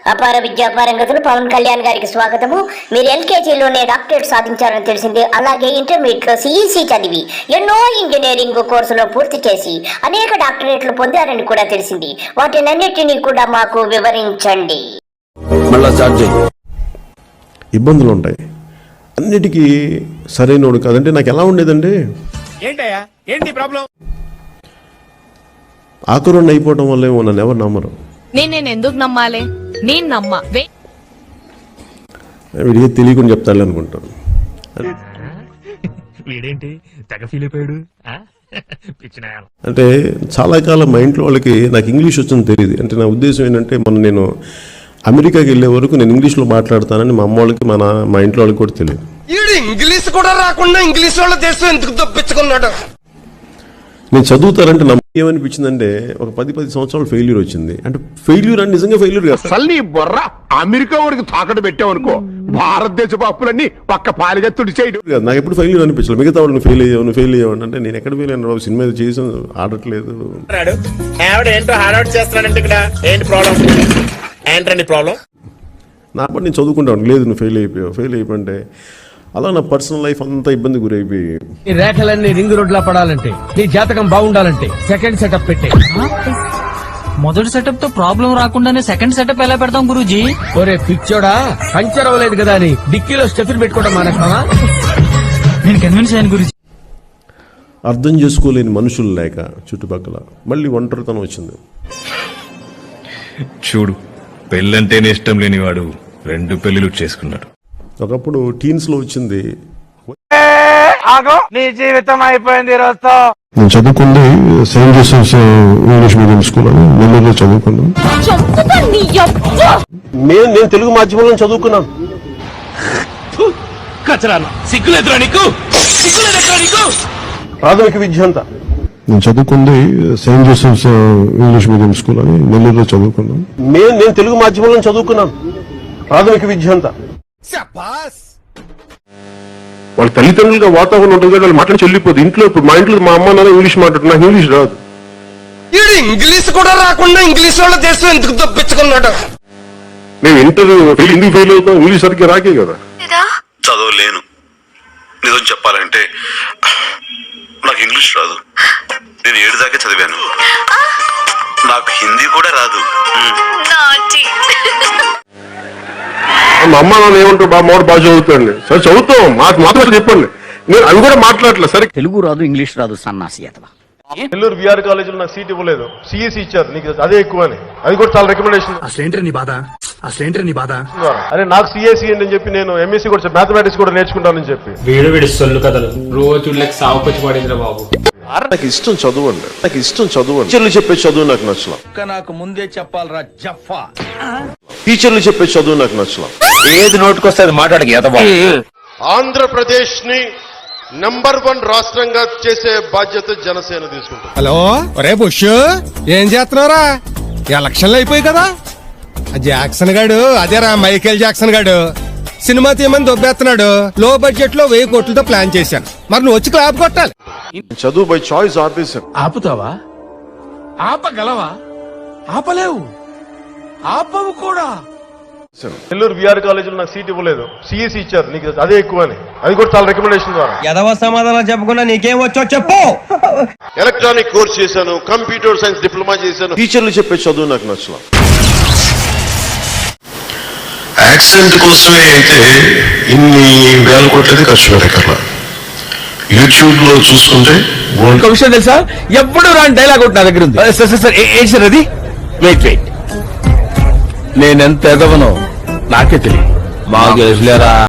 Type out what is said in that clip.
అపార విద్యాపారంగతులు పవన్ కళ్యాణ్ గారికి స్వాగతము. మీరు ఎల్కేజీలోనే డాక్టరేట్ సాధించారని తెలిసింది. అలాగే ఇంటర్మీడియట్లో సిఈసి చదివి ఎన్నో ఇంజనీరింగ్ కోర్సులో పూర్తి చేసి అనేక డాక్టరేట్లు పొందారని కూడా తెలిసింది. వాటినన్నిటినీ కూడా మాకు వివరించండి. ఇబ్బందులు ఉంటాయి, అన్నిటికీ సరైనోడు కాదంటే నాకు ఎలా ఉండేదండి, ఆకురుణ్ణి అయిపోవడం వల్ల ఏమో నన్ను ఎవరు నమ్మరు. నేను ఎందుకు నమ్మాలి? నేను నమ్మా వీడికి తెలియకుండా చెప్తాను అనుకుంటాను. అంటే చాలా కాలం మా ఇంట్లో వాళ్ళకి నాకు ఇంగ్లీష్ వచ్చింది తెలియదు. అంటే నా ఉద్దేశం ఏంటంటే నేను అమెరికాకి వెళ్ళే వరకు నేను ఇంగ్లీష్లో మాట్లాడతానని మా అమ్మ వాళ్ళకి మా ఇంట్లో వాళ్ళకి కూడా తెలియదు. ఇంగ్లీష్ కూడా రాకుండా ఇంగ్లీష్ వాళ్ళ దేశం ఎందుకు తప్పించుకున్నాడు. నేను చదువుతారంటే నాకు ఏమనిపించిందంటే ఒక 10 సంవత్సరాలు ఫెయిల్యూర్ వచ్చింది. అంటే ఫెయిల్యూర్ అని నిజంగా ఫెయిల్యూర్ కాదు. అసలు బొర్ర అమెరికా వరకు తాకట్టు పెట్టావనుకో, భారతదేశపు అప్పులన్నీ పక్క పాలిగా తుడిచేయడు. నాకు ఎప్పుడు ఫెయిల్యూర్ అనిపించలేదు. మిగతా వాళ్ళు ఫెయిల్ అయ్యావు అంటే నేను ఎక్కడ ఫెయిల్ అయినా బాబు, సినిమా చేసి ఆడట్లేదు. నా పని నేను చదువుకుంటాను. లేదు నువ్వు ఫెయిల్ అయిపోయింటే అలా నా పర్సనల్ లైఫ్ అంతా ఇబ్బంది గురైపోయి, ఈ రేఖలన్నీ రింగ్ రోడ్ లా పడాలంటే, నీ జాతకం బాగుండాలంటే సెకండ్ సెటప్ పెట్టే. మొదటి సెటప్ తో ప్రాబ్లం రాకుండానే సెకండ్ సెటప్ ఎలా పెడతాం గురూజీ? ఒరే పిచ్చోడా, పంచర్ అవ్వలేదు కదా అని డిక్కీలో స్టెఫిన్ పెట్టుకోవడం మానేస్తావా? నేను కన్విన్స్ అయ్యాను గురూజీ. అర్థం చేసుకోలేని మనుషులు లేక చుట్టుపక్కల మళ్ళీ ఒంటరితనం వచ్చింది. చూడు, పెళ్ళంటేనే ఇష్టం లేనివాడు 2 పెళ్లిళ్ళు చేసుకున్నాడు. ఒకప్పుడు టీన్స్ లో వచ్చింది. నీ జీవితం అయిపోయింది రోజుతో. నేను చదువుకుంది saint Joseph's English medium school అని నెల్లూరులో చదువుకున్నాను. నేను తెలుగు మాధ్యమంలో చదువుకున్నాను. ప్రాథమిక విద్య అంతా నేను చదువుకుంది saint Joseph's English medium school అని నెల్లూరులో చదువుకున్నాను. నేను తెలుగు మాధ్యమంలో చదువుకున్నాను. ప్రాథమిక విద్య అంతా వాళ్ళ తల్లిదండ్రులుగా వాతావరణం ఉంటుంది కదా, వాళ్ళు మాట్లాడి చెల్లిపోదు. ఇంట్లో ఇప్పుడు మా ఇంట్లో మా అమ్మ నాన్న ఇంగ్లీష్ మాట్లాడుతున్నా, నాకు ఇంగ్లీష్ రాదు. ఇంగ్లీష్ కూడా రాకుండా ఇంగ్లీష్ వాళ్ళ దేశం ఎందుకు తప్పించుకున్నాడు. నేను ఎందుకు ఫెయిల్ అవుతాం, ఇంగ్లీష్ సరిగ్గా రాకే కదా. చదవలేను. నిజం చెప్పాలంటే నాకు ఇంగ్లీష్ రాదు. నేను 7 దాకా చదివాను. నాకు హిందీ కూడా రాదు. మా అమ్మ నాన్న ఏమంటారు, బాగా చదువుతాండి. సరే చదువుతాం, మాకు మాత్రం చెప్పండి. నేను అవి కూడా మాట్లాడలేదు. సరే తెలుగు రాదు, ఇంగ్లీష్ రాదు, సన్నాసి అతవా. నెల్లూరు బీఆర్ కాలేజీలో నాకు సీట్ ఇవ్వలేదు. సిఎస్సి ఇచ్చారు, నీకు అదే ఎక్కువ అని. అది కూడా చాలా రికమెండేషన్. అరే నాకు సిఎస్సి అని చెప్పి నేను ఎంఎస్సి కూడా మ్యాథమెటిక్స్ కూడా నేర్చుకుంటానని చెప్పి వీడి సొల్లు కథలు రోజు సాగుకొచ్చి పడిందిరా బాబు. నాకు ఇష్టం చదువు అండి, నాకు ఇష్టం చదువు. టీచర్లు చెప్పే చదువు నాకు నచ్చలా. నాకు ముందే చెప్పాలరా జఫా. టీచర్లు చెప్పే చదువు నాకు నచ్చలా. ఏది నోటుకొస్తే అది మాట్లాడక. ఆంధ్రప్రదేశ్ ని నంబర్ 1 రాష్ట్రంగా చేసే బాధ్యత జనసేన తీసుకుంటుంది. హలో ఒరే బుష్, ఏం చేస్తున్నారా? ఎలక్షన్లు అయిపోయి కదా. జాక్సన్ గాడు, అదేరా మైకేల్ జాక్సన్ గాడు సినిమా తీయమని దొబ్బేస్తున్నాడు. లో బడ్జెట్ లో 1000 కోట్లతో ప్లాన్ చేశాను. మరి నువ్వు వచ్చి క్లాప్ కొట్టాలి. చదువు బై చాయిస్ ఆపేశాను. ఆపుతావా? ఆపగలవా? ఆపలేవు, ఆపవు కూడా. నెల్లూరు బీఆర్ కాలేజీలో నాకు సీట్ ఇవ్వలేదు. సిఎస్సి ఇచ్చారు, నీకు అదే ఎక్కువ అని. అది కూడా చాలా రికమెండేషన్ ద్వారా. ఎదవ సమాధానం చెప్పకుండా నీకేం వచ్చో చెప్పు. ఎలక్ట్రానిక్ కోర్స్ చేశాను, కంప్యూటర్ సైన్స్ డిప్లొమా చేశాను. టీచర్లు చెప్పే చదువు నాకు నచ్చలా. యాక్సిడెంట్ కోసమే అయితే ఇన్ని వేల కోట్లది ఖర్చు పెట్టగల. యూట్యూబ్ లో చూసుకుంటే ఒక విషయం తెలుసా, ఎప్పుడు రాని డైలాగ్ ఒకటి నా దగ్గర ఉంది. సార్ అది వెయిట్ నేనెంత ఎదవనో నాకే తెలియదు. బాగా తెలుసులేరా.